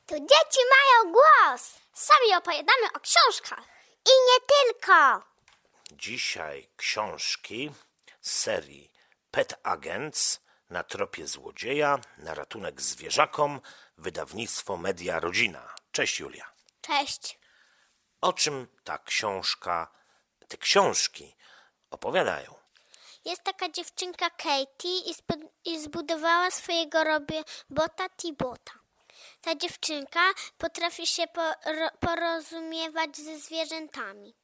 Tu dzieci mają głos. Sami opowiadamy o książkach. I nie tylko. Dzisiaj książki z serii Pet Agents na tropie złodzieja, na ratunek zwierzakom, wydawnictwo Media Rodzina. Cześć Julia. Cześć. O czym te książki opowiadają? Jest taka dziewczynka Katie i zbudowała swojego robota Tibota. Ta dziewczynka potrafi się porozumiewać ze zwierzętami.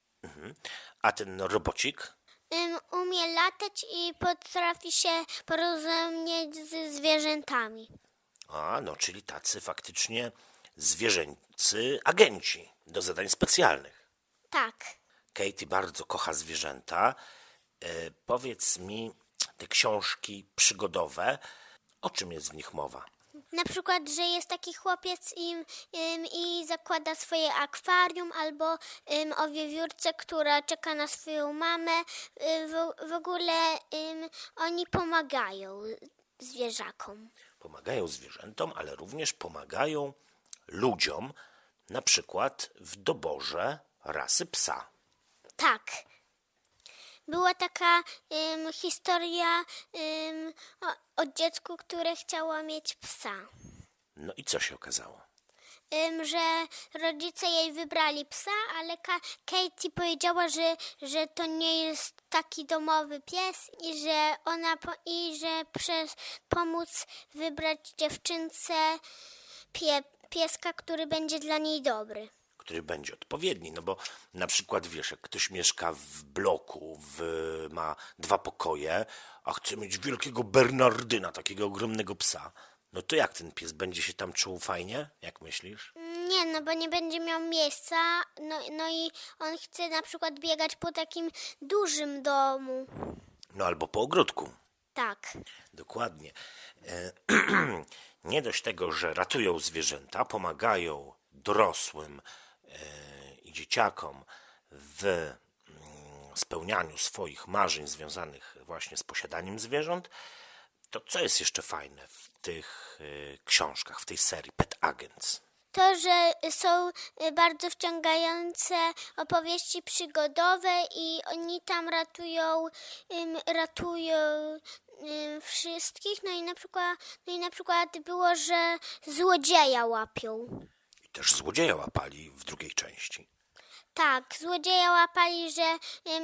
A ten robocik? Umie latać i potrafi się porozumieć ze zwierzętami. No czyli tacy faktycznie zwierzęcy agenci do zadań specjalnych. Tak. Katie bardzo kocha zwierzęta. Powiedz mi, te książki przygodowe, o czym jest w nich mowa? Na przykład, że jest taki chłopiec i zakłada swoje akwarium, albo o wiewiórce, która czeka na swoją mamę. W ogóle oni pomagają zwierzakom. Pomagają zwierzętom, ale również pomagają ludziom, na przykład w doborze rasy psa. Tak. Była taka historia o dziecku, które chciało mieć psa. No i co się okazało? Że rodzice jej wybrali psa, ale Katie powiedziała, że to nie jest taki domowy pies i że pomóc wybrać dziewczynce pieska, który będzie dla niej dobry. Który będzie odpowiedni, no bo na przykład wiesz, jak ktoś mieszka w bloku, ma 2 pokoje, a chce mieć wielkiego Bernardyna, takiego ogromnego psa, no to jak ten pies będzie się tam czuł fajnie? Jak myślisz? Nie, no bo nie będzie miał miejsca, no i on chce na przykład biegać po takim dużym domu. No albo po ogródku. Tak. Dokładnie. Nie dość tego, że ratują zwierzęta, pomagają dorosłym i dzieciakom w spełnianiu swoich marzeń związanych właśnie z posiadaniem zwierząt, to co jest jeszcze fajne w tych książkach, w tej serii Pet Agents? To, że są bardzo wciągające opowieści przygodowe i oni tam ratują wszystkich. No i na przykład było, że złodzieja łapią. I też złodzieja łapali w drugiej części. Tak, złodzieja łapali, że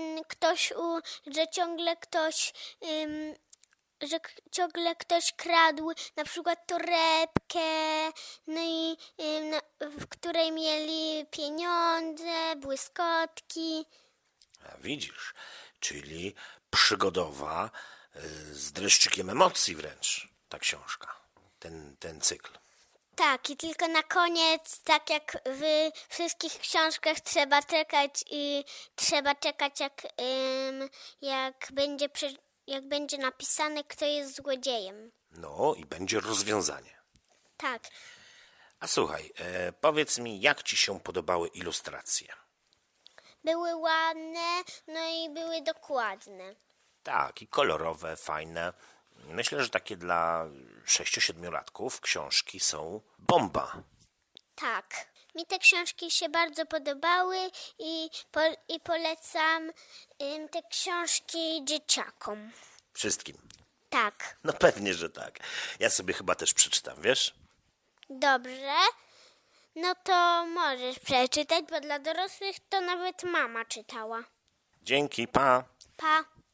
ciągle ktoś kradł na przykład torebkę, no i w której mieli pieniądze, błyskotki. A widzisz, czyli przygodowa z dreszczykiem emocji wręcz ta książka, ten cykl. Tak, i tylko na koniec, tak jak w wszystkich książkach, trzeba czekać jak będzie napisane, kto jest złodziejem. No i będzie rozwiązanie. Tak. A słuchaj, powiedz mi, jak ci się podobały ilustracje? Były ładne, no i były dokładne. Tak, i kolorowe, fajne. Myślę, że takie dla 6-7-latków książki są bomba. Tak. Mi te książki się bardzo podobały i polecam te książki dzieciakom. Wszystkim. Tak. No pewnie, że tak. Ja sobie chyba też przeczytam, wiesz? Dobrze. No to możesz przeczytać, bo dla dorosłych to nawet mama czytała. Dzięki, pa! Pa.